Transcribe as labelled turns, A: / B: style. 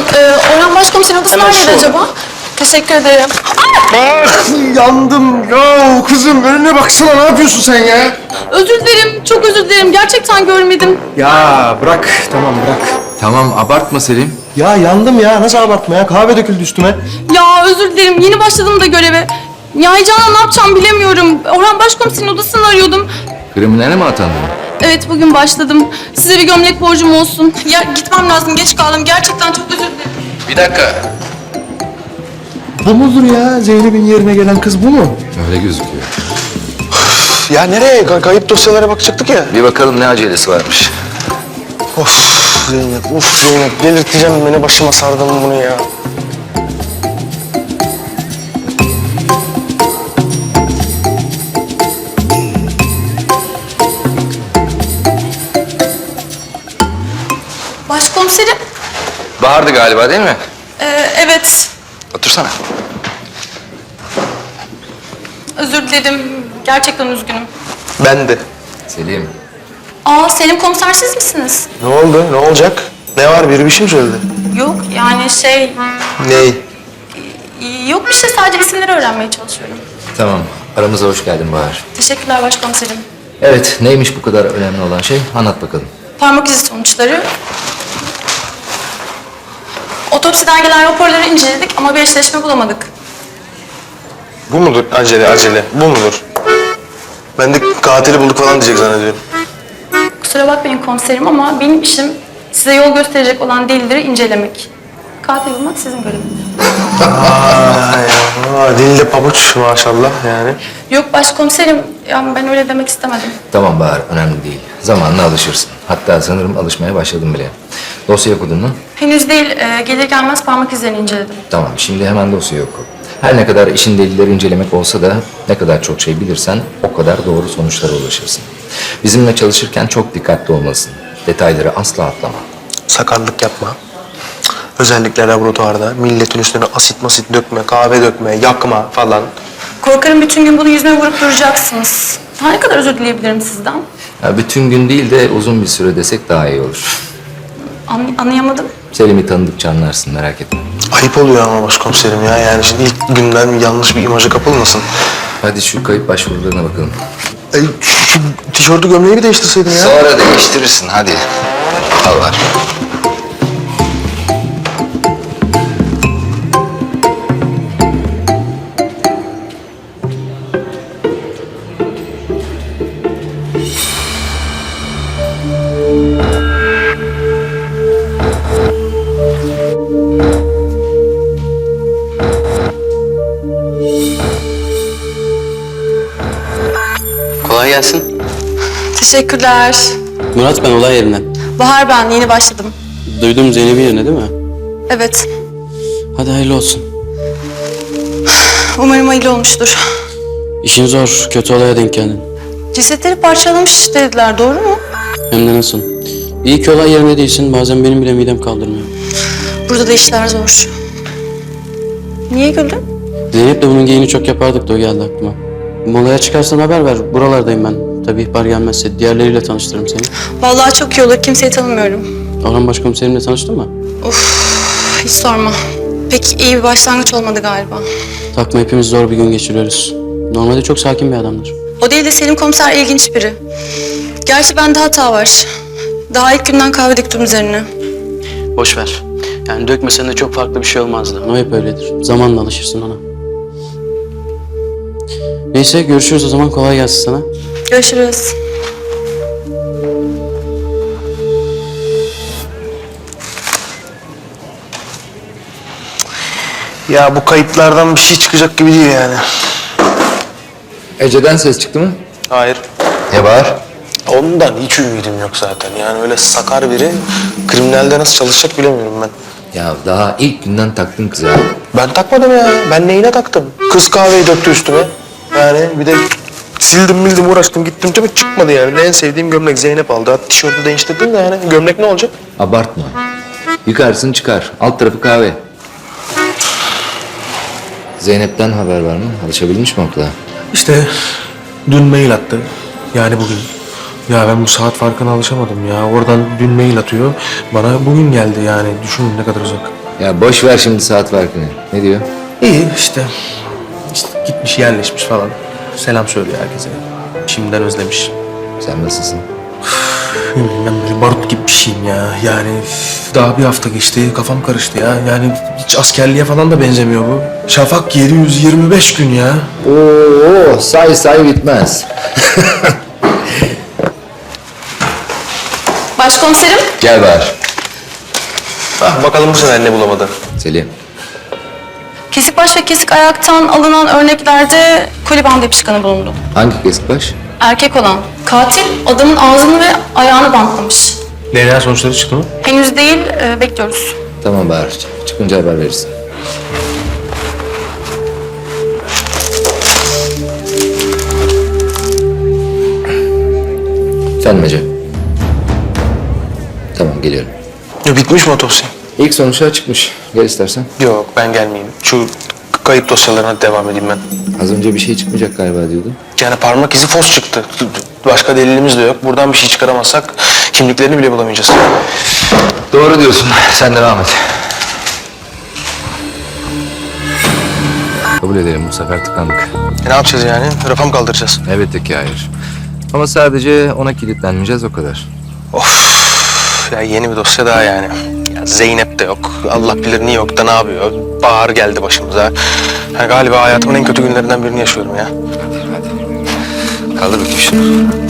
A: Orhan Başkomiserin odası
B: Hemen
A: neredeydi
B: şu
A: acaba? Teşekkür ederim.
C: Ah, yandım ya kızım, önüne baksana, ne yapıyorsun sen ya?
A: Özür dilerim, çok özür dilerim. Gerçekten görmedim.
C: Ya bırak, tamam bırak.
D: Tamam abartma Selim.
C: Ya yandım ya, nasıl abartma ya, kahve döküldü üstüme.
A: Ya özür dilerim, yeni başladım da göreve. Ya heyecanla ne yapacağım bilemiyorum. Orhan Başkomiserin odasını arıyordum.
D: Kriminale mi atandın?
A: Evet, bugün başladım. Size bir gömlek borcum olsun. Ya gitmem lazım, geç kaldım. Gerçekten çok özür dilerim.
D: Bir dakika.
C: Bu mudur ya, Zeynep'in yerine gelen kız bu mu?
D: Öyle gözüküyor.
B: Ya nereye? Kayıp dosyalara bakacaktık ya.
D: Bir bakalım ne acelesi varmış.
B: Of Zeynep, delirteceğim beni, başıma sardın bunu ya.
A: Başkomiserim.
D: Bahar'dı galiba değil mi?
A: Evet.
D: Otursana.
A: Özür dilerim. Gerçekten üzgünüm.
B: Ben de.
D: Selim.
A: Selim komiser siz misiniz?
B: Ne oldu? Ne olacak? Ne var? Biri bir şey mi söyledi?
A: Yok, yani
B: Ney?
A: Yok bir şey, sadece isimleri öğrenmeye çalışıyorum.
D: Tamam. Aramıza hoş geldin Bahar.
A: Teşekkürler başkomiserim.
D: Evet. Neymiş bu kadar önemli olan şey? Anlat bakalım.
A: Parmak izi sonuçları. Otopsiden gelen raporları inceledik ama bir eşleşme bulamadık.
B: Bu mudur? Acele. Bu mudur? Ben de katili bulduk falan diyecek zannediyorum.
A: Kusura bakmayın komiserim ama benim işim size yol gösterecek olan delilleri incelemek. Katil bulmak sizin göreviniz.
B: Dilde pabuç maşallah yani.
A: Yok başkomiserim, yani ben öyle demek istemedim.
D: Tamam Bahar. Önemli değil. Zamanla alışırsın. Hatta sanırım alışmaya başladım bile. Dosyayı okudun mu?
A: Henüz değil, gelir gelmez parmak izlerini inceledim.
D: Tamam. Şimdi hemen dosyayı oku. Her ne kadar işin delilleri incelemek olsa da ne kadar çok şey bilirsen o kadar doğru sonuçlara ulaşırsın. Bizimle çalışırken çok dikkatli olmalısın. Detayları asla atlama.
B: Sakarlık yapma. Özellikle laboratuvarda milletin üstüne asit masit dökme, kahve dökme, yakma falan.
A: Korkarım bütün gün bunu yüzüme vurup duracaksınız. Daha ne kadar özür dileyebilirim sizden?
D: Ya bütün gün değil de uzun bir süre desek daha iyi olur.
A: Anlayamadım.
D: Selim'i tanıdıkça anlarsın, merak etme.
B: Ayıp oluyor ama başkomiserim ya. Yani şimdi ilk günden yanlış bir imaja kapılmasın.
D: Hadi şu kayıp başvurularına bakalım.
B: Şu tişörtü gömleği bir değiştirseydin ya.
D: Sonra değiştirirsin, hadi. Al var.
E: Kolay gelsin.
A: Teşekkürler.
E: Murat ben olay yerinden.
A: Bahar ben, yeni başladım.
E: Duydum Zeynep'in yerine değil mi?
A: Evet,
E: Hadi hayırlı olsun.
A: umarım hayırlı olmuştur.
E: İşin zor, kötü olaya denk geldin.
A: Cesetleri parçalamış dediler, doğru mu?
E: Hem de nasıl? İyi ki olay yerinde değilsin, bazen benim bile midem kaldırmıyor.
A: Burada da işler zor. Niye güldün?
E: Zeynep'le bunun geyini çok yapardık da o geldi aklıma. Molaya çıkarsan haber ver, buralardayım ben. Tabii ihbar gelmezse diğerleriyle tanıştırırım seni.
A: Vallahi çok iyi olur, kimseyi tanımıyorum.
E: Orhan Başkomiserimle tanıştın mı?
A: Hiç sorma. Pek iyi bir başlangıç olmadı galiba.
E: Takma, hepimiz zor bir gün geçiriyoruz. Normalde çok sakin bir adamdır.
A: O değil de Selim komiser ilginç biri. Gerçi bende hata var. Daha ilk günden kahve döktüm üzerine.
E: Boş ver. Yani dökmesen de çok farklı bir şey olmazdı. O hep öyledir. Zamanla alışırsın ona. Neyse görüşürüz o zaman. Kolay gelsin sana.
A: Görüşürüz.
B: Ya bu kayıtlardan bir şey çıkacak gibi değil yani.
D: Ece'den ses çıktı mı?
B: Hayır.
D: Ne Bahar?
B: Ondan hiç ümidim yok zaten. Yani öyle sakar biri kriminalde nasıl çalışacak bilemiyorum ben.
D: Ya daha ilk günden taktın kızı ha.
B: Ben takmadım ya. Ben neyine taktım? Kız kahveyi döktü üstüme. Yani bir de sildim uğraştım gittim tabii çıkmadı yani. En sevdiğim gömlek Zeynep aldı. Hatta tişörtü değiştirdim de yani gömlek ne olacak?
D: Abartma. Yıkarsın çıkar. Alt tarafı kahve. Zeynep'ten haber var mı? Alışabilmiş mi okula?
C: İşte dün mail attı, yani bugün. Ya ben bu saat farkına alışamadım ya. Oradan dün mail atıyor, bana bugün geldi yani. Düşünün ne kadar uzak.
D: Ya boş ver şimdi saat farkını. Ne diyor?
B: İyi işte. İşte gitmiş yerleşmiş falan. Selam söylüyor herkese. Şimdiden özlemiş.
D: Sen nasılsın?
B: Ben böyle barut gibi bir şeyim ya. Yani daha bir hafta geçti, kafam karıştı ya. Yani hiç askerliğe falan da benzemiyor bu. Şafak 725 gün ya.
D: Oo, say bitmez.
A: Başkomiserim,
D: Gel Bahar.
B: Bakalım bu sefer ne bulamadı.
D: Selim.
A: kesik baş ve kesik ayaktan alınan örneklerde koli bandı yapışkanı bulundu.
D: Hangi kesik baş?
A: Erkek olan katil adamın ağzını ve ayağını bantlamış.
B: DNA sonuçları çıktı mı?
A: Henüz değil, bekliyoruz.
D: Tamam Bahar. Çıkınca haber verirsin. Efendim Ece. Tamam geliyorum.
B: Ya bitmiş mi otopsi?
D: İlk sonuçlar çıkmış. Gel istersen.
B: Yok ben gelmeyeyim. Şu kayıp dosyalarına devam edeyim ben.
D: Az önce bir şey çıkmayacak galiba diyordun.
B: Yani parmak izi fos çıktı. Başka delilimiz de yok. Buradan bir şey çıkaramazsak kimliklerini bile bulamayacağız.
D: Doğru diyorsun. Sen devam et. Kabul edelim bu sefer tıkandık.
B: Ne yapacağız yani? Rafa mı kaldıracağız?
D: Elbette ki hayır. Ama sadece ona kilitlenmeyeceğiz o kadar.
B: Of ya yeni bir dosya daha yani. Ya Zeynep de yok. Allah bilir New York'ta ne yapıyor. Bahar geldi başımıza. Yani galiba hayatımın en kötü günlerinden birini yaşıyorum ya.
D: Kaldır bakayım şunu.